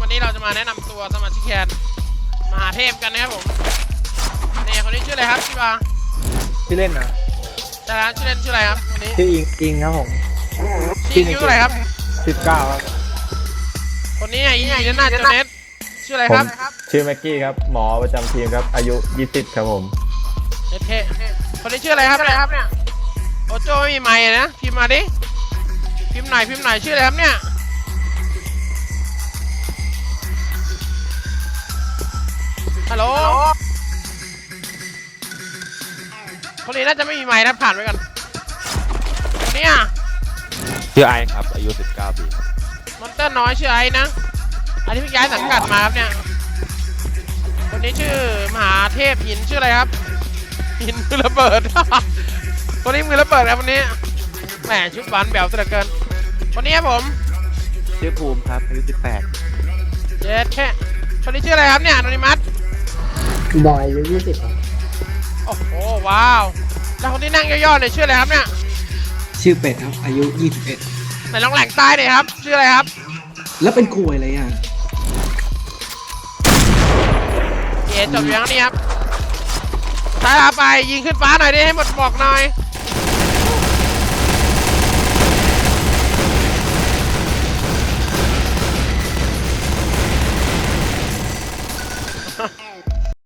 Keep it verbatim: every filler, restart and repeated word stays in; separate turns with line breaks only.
วันนี้เราจะมาแนะนำตัวสมาชิกแคนมหาเทพกันนะครับผมเนี่ยคนนี้ชื่ออะไรครับชิบา
ชื่อเล่นนะ
แต่ละชื่อเล่นชื่ออะไรครับวันนี้
ชื่ออิงอิงครับผม
ชื่อคิวอะไรครับ
สิบเก้าครับ
คนนี้อีอีน่าจะเน็ตชื่ออะไรครับ
ชื่อแม็กกี้ครับหมอประจำทีมครับอายุยี่สิบครับผม
เน็ตเทคนนี้ชื่ออะไรครับเนี่ยโอโจไม่มีไมค์นะพิมพ์มาดิพิมพ์หน่อยพิมพ์หน่อยชื่ออะไรครับเนี่ยฮัลโหลคนนี้น่าจะไม่มีไมค์นะผ่านไปก่อนคนนี้อ่ะ
ชื่อไอครับอายุสิบเก้าปี
มอนเตอร์น้อยชื่อไอ้นะอันนี้เพิ่งย้ายสังกัดมาครับเนี่ยคนนี้ชื่อมหาเทพหินชื่ออะไรครับหินมือระเบิด คนนี้มือระเบิดครับวันนี้แหมชุดหวานแบวซะเหลือเกินคนนี้ครับผม
ชื่อภูมิครับอายุสิบแปด
เจ็ดแค่คนนี้ชื่ออะไรครับเนี่ยโนนิมัส
บอยอายุยี่สิบครับ
โอ้โหว้าวแล้วคนที่นั่งย่อๆเนี่ยชื่ออะไรครับเนี่ย
ชื่อเป็ดครับอายุยี่สิบเอ็ด
ไหนลองแหล่งใต้หน่อยครับชื่ออะไรครับ
แล้วเป็นกลวยอะไรอ่ะ
เอ๋จบอยู่ยังนี่ครับท้ายลาไปยิงขึ้นฟ้าหน่อยดิให้หมดบอกหน่อย